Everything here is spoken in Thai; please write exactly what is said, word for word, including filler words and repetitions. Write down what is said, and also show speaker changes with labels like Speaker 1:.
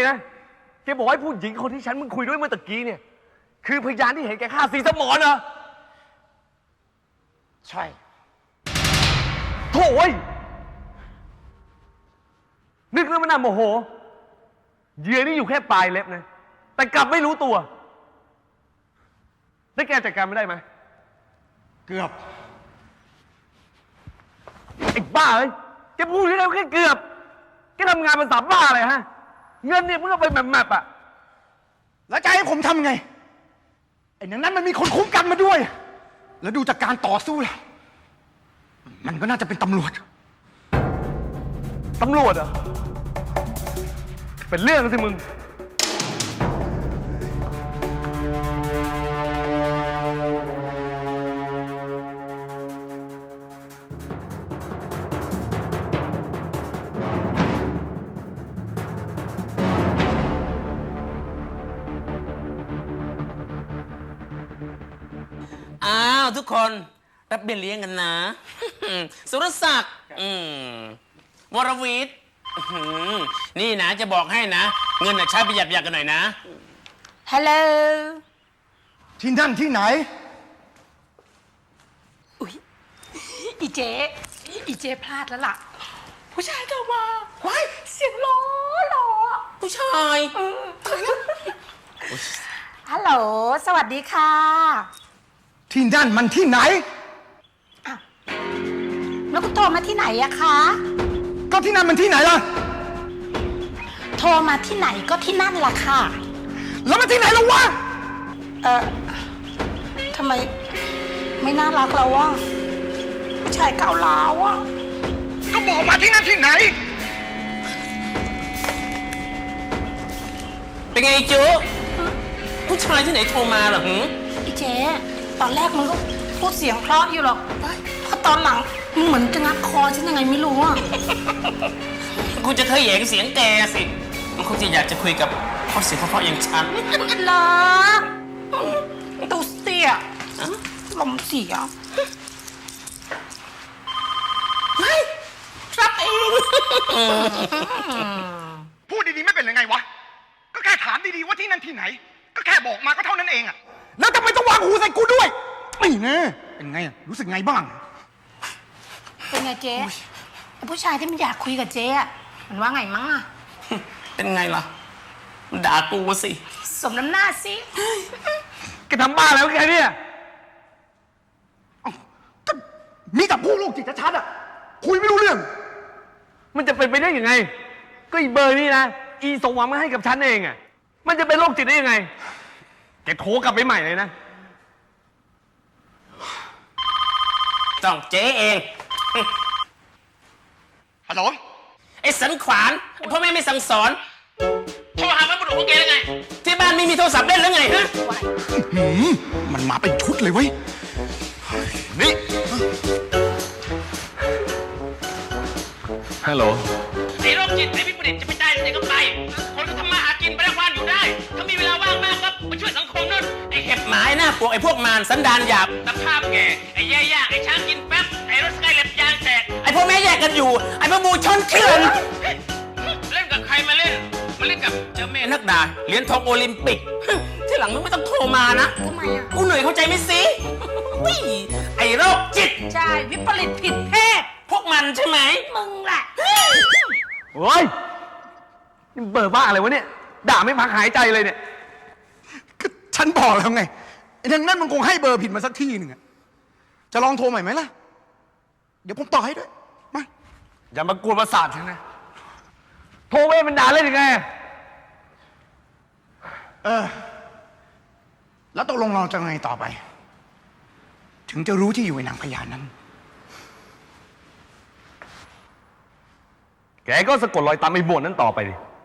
Speaker 1: นะ แกบอกให้ผู้หญิงคนที่ฉันมึงคุยด้วยเมื่อตะกี้เนี่ย คือพยานที่เห็นแกฆ่าสีสมรเหรอ
Speaker 2: ใช่
Speaker 1: โถ่เว้ยนึกแล้วมันน่าโมโหเหยื่อนี่อยู่แค่ปลายเล็บนะ แต่กลับไม่รู้ตัวแล้วแกจัดการไม่ได้ไหม
Speaker 2: เกือบ
Speaker 1: ไอ้บ้าเอ้ยแกพูดแค่แค่เกือบแกทำงานเป็นสามบ้าอะไรฮะ เงินเนี่ยเพิ่งเอาไปแมปๆอ่ะ
Speaker 2: แล้วจะให้ผมทำไง ไอ้นั้นนั้นมันมีคนคุ้มกันมาด้วย แล้วดูจากการต่อสู้แล้วมันก็น่าจะเป็นตำรวจ
Speaker 1: ตำรวจเหรอ เป็นเรื่องสิมึง
Speaker 3: อ้าวทุกคนรับเบี้ยเลี้ยงกันนะ สุรศักดิ์อืมวรวิทย์อื้อหือนี่นะจะบอกให้นะ เงินน่ะใช้ประหยัดประหยัดกันหน่อยนะ
Speaker 4: ฮัลโหล
Speaker 2: ที่นั่นที่ไหน
Speaker 4: อุ๊ยอีเจ๊อีเจ๊พลาดแล้วล่ะ ผู้ชายโทรมาว้ายเสียงหล้อหล่อ
Speaker 3: ผู้ชาย
Speaker 4: เออฮัลโหล สวัสดีค่ะ
Speaker 2: ที่นั่นมันที่ไหน
Speaker 4: แล้วคุณโทรมาที่ไหนอะคะ
Speaker 2: ก็ที่นั่นมันที่ไหนล่ะ
Speaker 4: โทรมาที่ไหนก็ที่นั่นล่ะค่ะ
Speaker 2: แล้วมันที่ไหนล่ะวะ
Speaker 4: เออทำไมไม่น่ารักแล้ววะผู้ชายเก่าล้าวอะ
Speaker 2: ก็บอกมาที่นั่นที่ไหน
Speaker 3: เป็นไงจุผู้ชายที่ไหนโทรมาเหรอหือ
Speaker 4: อีเจ๊ตอนแรกมึงก็พูดเสียงเพราะอยู่หรอกพอตอนหลังมึงเหมือนจะงับคอฉันยังไงไม่รู้อะ
Speaker 3: กูจะเคยแหยงเสียงแกสิมันคงจะอยากจะคุยกับพ่อเสียงเพราะๆอย่างฉัน
Speaker 4: เหรอตูเสียลมเสีย
Speaker 3: รับเอง
Speaker 2: พูดดีๆไม่เป็นยังไงวะ ก็แค่ถามดีๆว่าที่นั่นที่ไหน ก็แค่บอกมาก็เท่านั้นเองอะแล้วทำไมต้องวางหูใส่กูด้วยไม่แน่เป็นไงอะรู้สึกไงบ้าง
Speaker 4: เป็นไงเจ๊ไอ้ผู้ชายที่มันอยากคุยกับเจ๊อะมันว่าไงมั้งอะ
Speaker 3: เป็นไงล่ะมันด่ากูสิ
Speaker 4: สมน้ำหน้าสิ
Speaker 1: แกทำบ้าแล้วแกเนี่ย
Speaker 2: ก็มีแต่ผู้ลูกจิตชัดๆอะคุยไม่รู้เรื่อง
Speaker 1: มันจะเป็นไปได้ยังไง ก็อีเบอร์นี่นะ อีส่งหวังมาให้กับฉันเองอ่ะ มันจะเป็นโรคจิตได้ยังไง แกโทรกลับไปใหม่เลยนะ
Speaker 3: ต้องเจ๊เอง
Speaker 2: ฮัลโหล
Speaker 3: ไอ้สันขวานไอ้พ่อแม่ไม่สั่งสอนโทรหาพระบุรุษของแกได้ไง ที่บ้านไม่มีโทรศัพท์เล่นหรือไงฮะ
Speaker 2: หืมมันมาเป็นชุดเลยเว้ย นี่
Speaker 1: ฮัลโหล
Speaker 3: ไอ้โรคจิตไอ้วิปริตจะไปได้ที่ไหนก็ไป คนก็ทำมาหากินไปได้วันอยู่ได้ ถ้ามีเวลาว่างมากก็มาช่วยสังคมนู่นไอ้เห็บหมาไอ้หน้าปวกไอ้พวกมารสันดานหยาบตะภาพแก่ไอ้แย่ย่างไอ้ช้างกินแป๊บไอ้รถสกายเล็บยางแตกไอ้พวกแม่แยกกันอยู่ ไอ้พวกบูชนเถื่อนเล่นกับใครมาเล่น มาเล่นกับเจ้าแม่นักดาเหรียญทองโอลิมปิก ที่หลังมึงไม่ต้องโทรมานะ
Speaker 4: ทำไมอะ
Speaker 3: กูเหนื่อยเข้าใจไหมสิวิ่ไอ้โรคจิต
Speaker 4: ใช่ วิปริตผิดเพศ
Speaker 3: พวกมันใช่ไหม
Speaker 4: มึงแหละ
Speaker 1: โอ้ยนี่เบอร์บ้าอะไรวะเนี่ย ด่าไม่พักหายใจเลยเนี่ย
Speaker 2: ก็ฉันบอกแล้วไงไอ้นั่นนั่นมันคงให้เบอร์ผิดมาสักที่หนึ่งอะจะลองโทรใหม่ไหมล่ะ เดี๋ยวผมต่อให้ด้วย มา
Speaker 1: อย่ามากวนประสาทฉันนะ โทรไปมันด่าเล่นยังไง
Speaker 2: เออ แล้วตกลงเราจะไงต่อไป ถึงจะรู้ที่อยู่ในนางพญานั้น
Speaker 1: แกก็สะกดรอยตามไอ้บวชนั้นต่อไปดิ